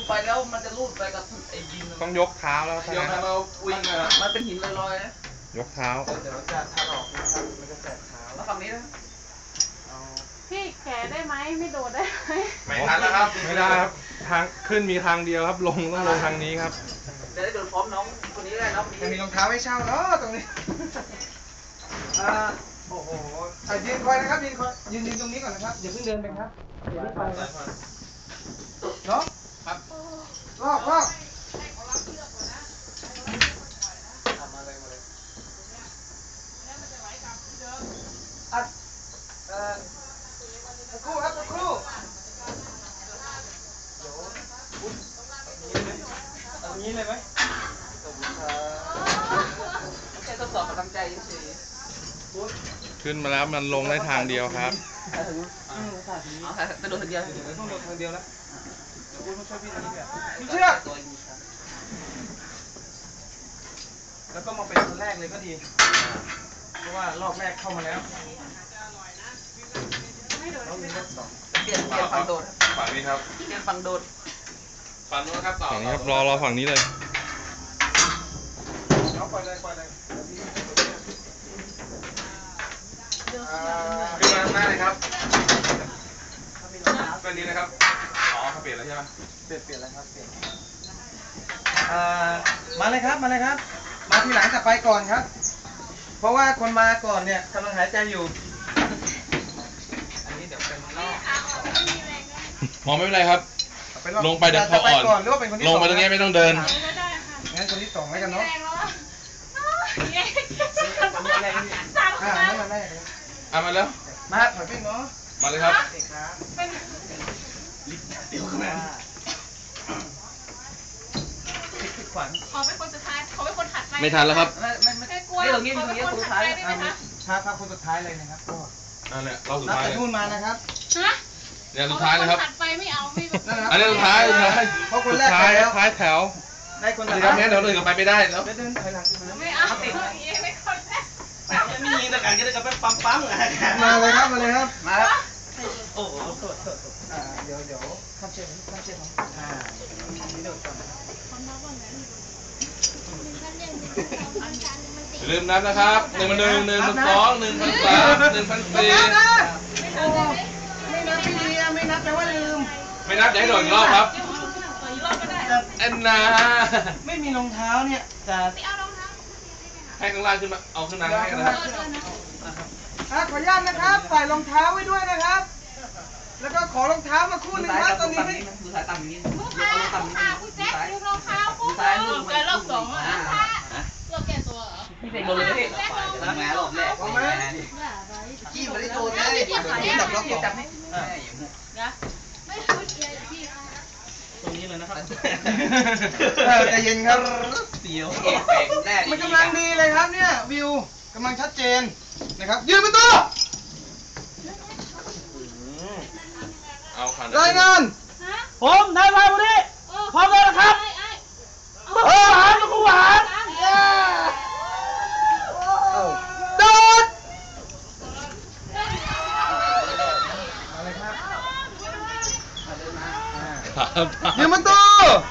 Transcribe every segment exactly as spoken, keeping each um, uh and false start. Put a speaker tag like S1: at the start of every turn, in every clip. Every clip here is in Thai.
S1: ไปแล้วมันจะลูดไปกับไอ้ดิน
S2: ต้องยกเท้าแล้วยกเท้าเราวิ่ง
S1: มันเป็นหินลอยๆนะ
S2: ยกเท้า
S3: เดี๋ยวจะถลอกนะครับมันจะแสบเท้า
S1: แล้วฝั่งนี้นะ
S4: พี่แก่ได้ไหมไม่โดดได้ไหม
S2: ไม่ทันแล้วครับไม่ได้ครับทางขึ้นมีทางเดียวครับลงต้องลงทางนี้ครับ
S1: จะได้โดนพร้อมน้องคนนี้ได้น้อง
S3: จะมีรองเท้าให้เช่าเนาะตรงนี้อ่าโอ้โหยืนคอยนะครับยืนคอยยืนยืนตรงนี้ก่อนนะครับอย่าเพิ่งเดินไปครับเดี๋ยวไปเนาะครับรอบรอบมาเลยมาเลยอัดเอ่อสักครู่ครับสักครู่เดี๋ยวคุณเอางี้เลยไหมขอบคุณครับ
S1: แค่ทดสอบกำลังใจเฉย
S2: ขึ้นมาแล้วมันลงได้ทางเดียวครับ
S1: จะโดนทางเดียว
S3: ต้องโดนทางเดียวแล้วเดี๋ยวคุณมาช่วยพี่ตรงนี้เนี่ยเชือกแล้วก็มาเป็นคนแรกเลยก็ดีเพราะว่ารอบแรกเข้ามาแล้วเรามีรอบสอง
S1: เปลี่ยนเปลี่ยนฝั่งโดด
S2: ฝั่งนี้ครับ
S1: เปลี่ยนฝั่งโดด
S2: ฝั่งนู้นครับต่อฝั่งนี้ครับรอรอฝั่งนี้เลย
S3: เอาปล่อยเลยปล่อยเลย
S2: ขึ้นมาหน้าเลยครับเป็นนี้นะครับอ๋อเขาเปลี่ยนแล้วใช่ไหม
S3: เปลี่ยนเปลี่ยนแล้วครับเปลี่ยนมาเลยครับมาเลยครับมาทีหลังจะไปก่อนครับเพราะว่าคนมาก่อนเนี่ยกำลังหายใจอยู่อันนี้เดี๋ยวเป็นนอก
S2: มองไม่เป็นไรครับลงไปเดี๋ยวพออ่อนลงไปตรงนี้ไม่ต้องเดิน
S3: งั้นคนที่สองให้กันเนาะอ่านั่นมาแรกเลย
S2: อ่ะมาแล้ว
S3: มาถอยไปเนาะ
S2: มาเลยครับ
S3: เดี๋ยวขึ้นมาขวัญ
S4: ขอเป็นคนสุดท้ายขอเป็นคนถัดไป
S2: ไม่ทันแล้วครับ
S1: ไม่ไม่ไม่กลัวตรงนี้ตรงนี้คนสุดท้าย
S3: ถ้าถ้าคนสุดท้ายเลยนะครับก็
S2: นั่นแหละเราสุดท้ายเลย
S3: นู่นมานะครับ
S4: ฮะ
S2: เนี่ยสุดท้ายเลยครับ
S4: ถัดไปไม่เอาไม่
S2: อันนี้สุดท้ายสุดท้าย
S3: เพราะคนแรก
S2: ท้ายท้ายแถว
S3: ได้คนสุด
S2: ท้ายเดี๋ยวเดินกลับไปไม่ได้แล้ว
S3: เดินถอยหลัง
S4: ไม่เอาไม่คนแรก
S1: ไม่ยิงแต่การก็ได้กับปั๊มปั๊ม
S3: มาเลยครับมาเลยครับ
S1: มาแล้ว
S3: โอ้โหโทษโทษอ่าเดี๋ยวเดี๋ยวข้ามเชือกข้ามเชือกอ่านี่เดี๋ยวก่อน
S2: ลืมนับนะครับหนึ่งพันหนึ่งหนึ่งพันสองหนึ่งพันสามหนึ่งพันสี่
S3: ไม่นับไม่ดีไม่นับแต่ว่าลืม
S2: ไม่นับจะให้โดนอีกรอบครับแอนนา
S3: ไม่มีรองเท้าเนี่ยจะ
S2: ให้ข้างล่างขึ้นมาเอาขึ้นมาให้นะครับ
S3: ขออนุญาตนะครับใส่รองเท้าไว้ด้วยนะครับแล้วก็ขอรองเท้ามาคู่หนึ่งครับตอนนี้
S1: ดูสายต่ำอย่างนี้
S4: ลูกค้าลูกค้าคุณแจ๊คดูรองเท้าคู่แกรอบสองอ่ะรอบแกตัวเหรอ
S1: ไม่ใช่โดนเลยแล้วแม่รอบแรก
S3: เอาไหม
S1: ขี้ไม่ได้โดนเลยจับล็อกจับให้
S4: นะไม่พูดเยอะพี่
S1: ตรงนี้เลยนะครับ
S3: ใจเย็นครับ
S1: เสียว
S3: มันกำลังดีเลยครับเนี่ยวิวกำลังชัดเจนนะครับยืนเป็นตัวรายงาน
S1: ผมนายพายวันนี้พร้อมแล้วนะครับเออหานกูหาน
S3: โดดอะไรครับยืนเป็นตัว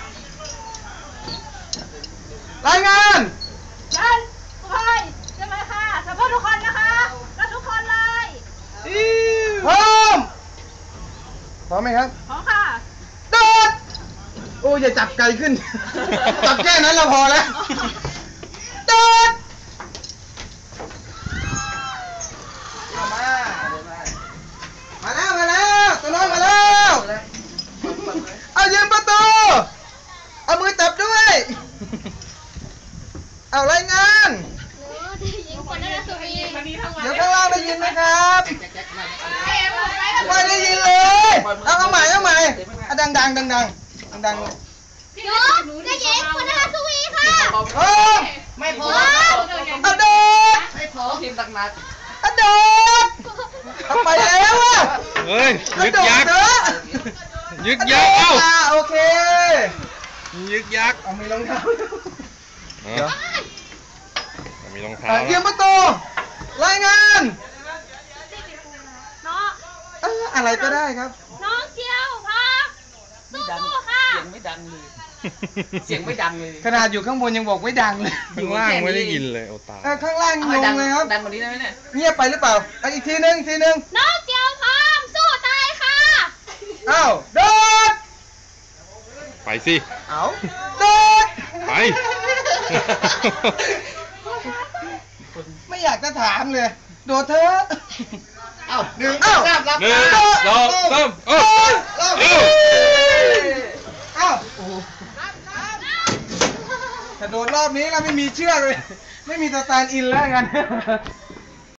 S3: รายงาน
S4: ยันพายจะมาค่ะสัมภาษณ์ทุกคนนะคะแล้วทุกคนเลย
S3: พร้อมพร้อมไหมครับ
S4: พร้อมค่ะ
S3: โดดโอ้ยอย่าจับไกลขึ้นจับแค่นั้นเราพอแล้วโดดมามาแล้วมาแล้วตัวน้อยมาแล้วเอายืนประตูเอามือจับด้วยเอารายงานเดี๋ยวข้างล่างได้ยินไหมครับไม่ได้ยินเลยเอาเอาใหม่เอาใหม่เอาดังดังดังดังดังดัง
S4: หนูได้ยินคนนะคะสวีค่ะ
S3: พร้อม
S1: ไม่พอ
S3: เอาโดด
S1: ไม่พอทีมตักนัด
S3: เอาโดดเอาไปแล้วอ่ะ
S2: เฮ้ยยึกยักยึกยักเอ้า
S3: โอเค
S2: ยึกยัก
S3: เอามีรองเท้า
S2: มีรองเท้า
S3: เยี่ยมประตูรายงาน
S4: น้อง
S3: อะไรก็ได้ครับ
S4: น้องเจียวพักสู้ๆค่ะ
S5: สียงไม่ดังเลยเสียงไม่ดังเลย
S3: ขนาดอยู่ข้างบนยังบอกไม่ดังเลย
S2: ข้างล่างไม่ได้ยินเลยโอตาย
S3: เออข้างล่างง
S5: เอาให้ดั
S3: งเลยครับ
S5: ดังกว่านี้ได้ไหมเนี่ย
S3: เงียบไปหรือเปล่าเอาอีกทีนึงอีกทีนึง
S4: น้องเจียวพร้อมสู้ตายค่ะ
S3: อ้าวโดด
S2: ไปสิ
S3: เอาโดด
S2: ไป
S3: ไม่อยากจะถามเลย โดดเถอะ
S5: เอ้าหนึ่ง
S3: เอ้า
S5: สามรับ
S2: หนึ่งสองสามเอ้าเอ้า
S3: เอ้าโอ้โหถ้าโดดรอบนี้เราไม่มีเชือกเลย ไม่มีสแตนด์อินแล้วกัน